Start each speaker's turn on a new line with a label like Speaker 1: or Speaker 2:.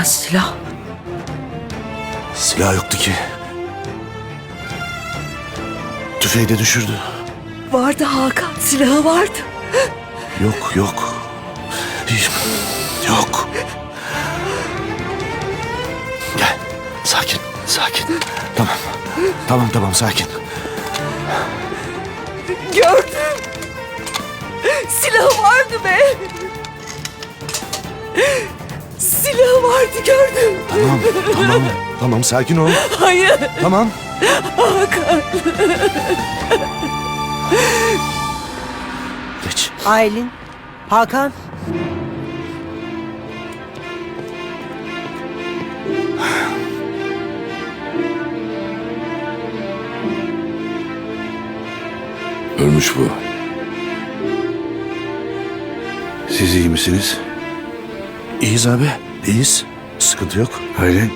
Speaker 1: silah?
Speaker 2: Silah yoktu ki. Tüfeği de düşürdü.
Speaker 1: Vardı Hakan, silahı vardı.
Speaker 2: Yok yok. Yok. Gel. Sakin. Sakin. Tamam sakin.
Speaker 1: Gördüm. Silahı vardı be. Silahı vardı, gördüm.
Speaker 2: Tamam sakin ol.
Speaker 1: Hayır
Speaker 2: Tamam.
Speaker 1: Hakan.
Speaker 2: Geç.
Speaker 3: Aylin, Hakan.
Speaker 4: Ölmüş bu. Siz iyi misiniz?
Speaker 2: İyiyiz abi. İyiyiz. Sıkıntı yok.
Speaker 4: Aylin.